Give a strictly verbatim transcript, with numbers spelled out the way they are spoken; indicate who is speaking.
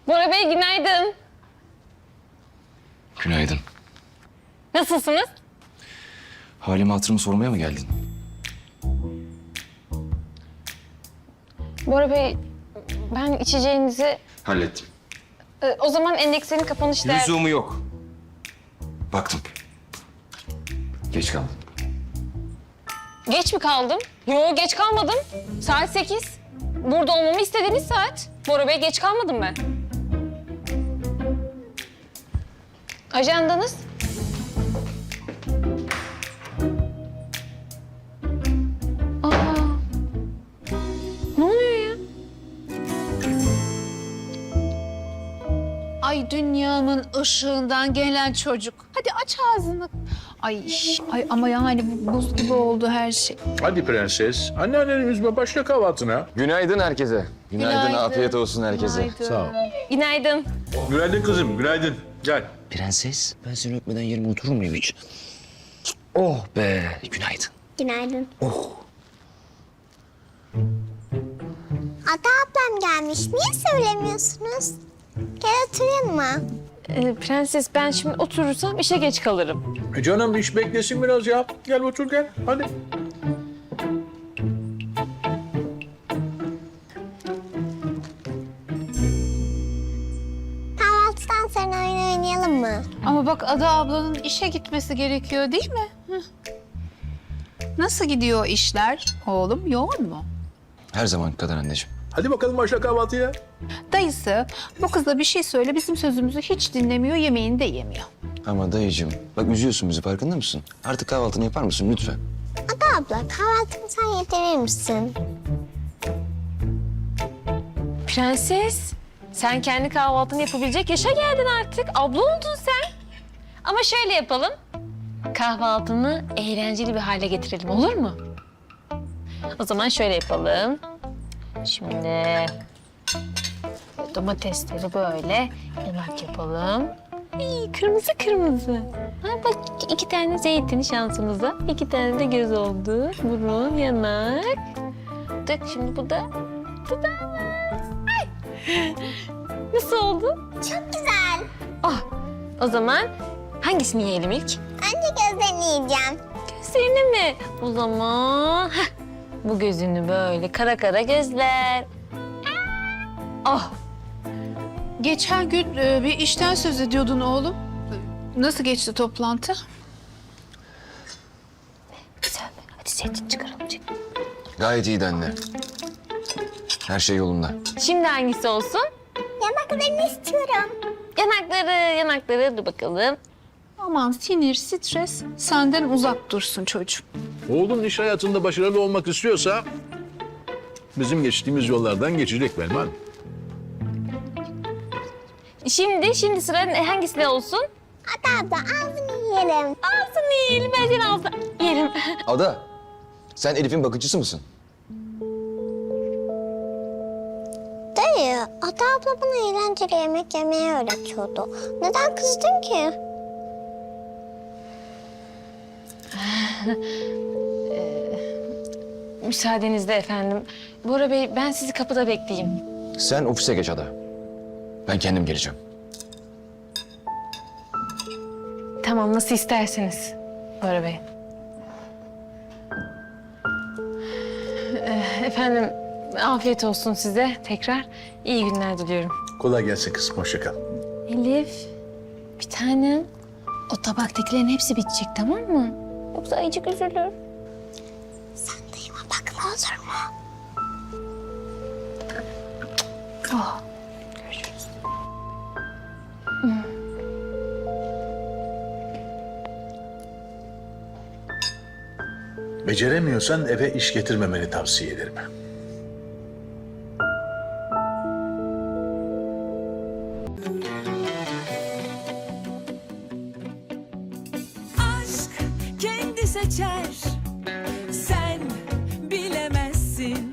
Speaker 1: Bora Bey günaydın.
Speaker 2: Günaydın.
Speaker 1: Nasılsınız?
Speaker 2: Halimi hatırımı sormaya mı geldin?
Speaker 1: Bora Bey ben içeceğinizi...
Speaker 2: Hallettim.
Speaker 1: Ee, o zaman endekslerin kapanış değer...
Speaker 2: Lüzumu yok. Baktım. Geç kaldım.
Speaker 1: Geç mi kaldım? Yo geç kalmadım. Saat sekiz. Burada olmamı istediğiniz saat. Bora Bey geç kalmadım ben. Ajandanız? Aa. Ne oluyor ya?
Speaker 3: Ay dünyamın ışığından gelen çocuk. Hadi aç ağzını. Ay, ay ama yani bu buz gibi oldu her şey.
Speaker 4: Hadi prenses, anneanneni üzme, başla kahvaltına.
Speaker 2: Günaydın herkese. Günaydın,
Speaker 3: Günaydın.
Speaker 2: afiyet olsun herkese.
Speaker 3: Günaydın.
Speaker 4: Sağ ol.
Speaker 1: Günaydın.
Speaker 4: Günaydın kızım, günaydın. Gel.
Speaker 2: Prenses, ben seni öpmeden yerime oturur muyum hiç? Oh be, günaydın.
Speaker 5: Günaydın.
Speaker 2: Oh.
Speaker 5: Ada ablam gelmiş. Niye söylemiyorsunuz? Gel oturalım mı?
Speaker 1: Ee, prenses ben şimdi oturursam işe geç kalırım.
Speaker 4: E canım iş beklesin biraz ya. Gel otur gel, hadi.
Speaker 5: Kahvaltıdan sonra oyun oynayalım mı?
Speaker 3: Ama bak Ada ablanın işe gitmesi gerekiyor değil mi? Hı. Nasıl gidiyor işler oğlum? Yoğun mu?
Speaker 2: Her zaman kadar anneciğim.
Speaker 4: Hadi bakalım başla kahvaltıya.
Speaker 3: Dayısı bu kıza bir şey söyle bizim sözümüzü hiç dinlemiyor, yemeğini de yemiyor.
Speaker 2: Ama dayıcığım, bak üzüyorsun bizi, farkında mısın? Artık kahvaltını yapar mısın lütfen?
Speaker 5: Ada abla kahvaltımı sen yedirir misin?
Speaker 1: Prenses, sen kendi kahvaltını yapabilecek yaşa geldin artık. Abla oldun sen. Ama şöyle yapalım. Kahvaltını eğlenceli bir hale getirelim, olur mu? O zaman şöyle yapalım. Şimdi domatesleri böyle yanak yapalım. İyi, kırmızı kırmızı. Ha, bak iki tane zeytin şansımıza. İki tane de göz oldu. Burun, yanak. Dök şimdi bu da. Bu da. Ay. Nasıl oldu?
Speaker 5: Çok güzel.
Speaker 1: Ah, o zaman hangisini yiyelim ilk?
Speaker 5: Önce gözlerini yiyeceğim.
Speaker 1: Gözlerini mi? O zaman heh, bu gözünü böyle kara kara gözler. Ah,
Speaker 3: Geçen gün e, bir işten söz ediyordun oğlum. Nasıl geçti toplantı?
Speaker 1: güzel. Hadi zeytin çıkaralım. zeytin.
Speaker 2: Gayet iyiydi anne. Her şey yolunda.
Speaker 1: Şimdi hangisi olsun?
Speaker 5: Yanaklarını istiyorum.
Speaker 1: Yanakları, yanakları. Dur bakalım.
Speaker 3: Aman sinir, stres senden uzak dursun çocuğum.
Speaker 4: Oğlun iş hayatında başarılı olmak istiyorsa... ...bizim geçtiğimiz yollardan geçecek Belman.
Speaker 1: Şimdi, şimdi sıra ne- hangisine olsun?
Speaker 5: Ada abla ağzını yiyelim.
Speaker 1: Ağzını yiyelim. Ben senin ağzını yerim.
Speaker 2: Ada, sen Elif'in bakıcısı mısın?
Speaker 5: Dayı, Ada abla bana eğlenceli yemek yemeyi öğretiyordu. Neden kızdın ki?
Speaker 1: Müsaadenizle efendim. Bora Bey, ben sizi kapıda bekleyeyim.
Speaker 2: Sen ofise geç Ada. Ben kendim geleceğim.
Speaker 1: Tamam, nasıl isterseniz Bora Bey. Ee, Efendim, afiyet olsun size tekrar. İyi günler diliyorum.
Speaker 4: Kolay gelsin kızım, hoşça kal.
Speaker 1: Elif, bir tanem. O tabaktakilerin hepsi bitecek, tamam mı? Yoksa ayıcık üzülür.
Speaker 5: Sen dayıma bakma olur mu?
Speaker 1: Oh, görüşürüz.
Speaker 4: Beceremiyorsan eve iş getirmemeni tavsiye ederim.
Speaker 6: aşk kendi seçer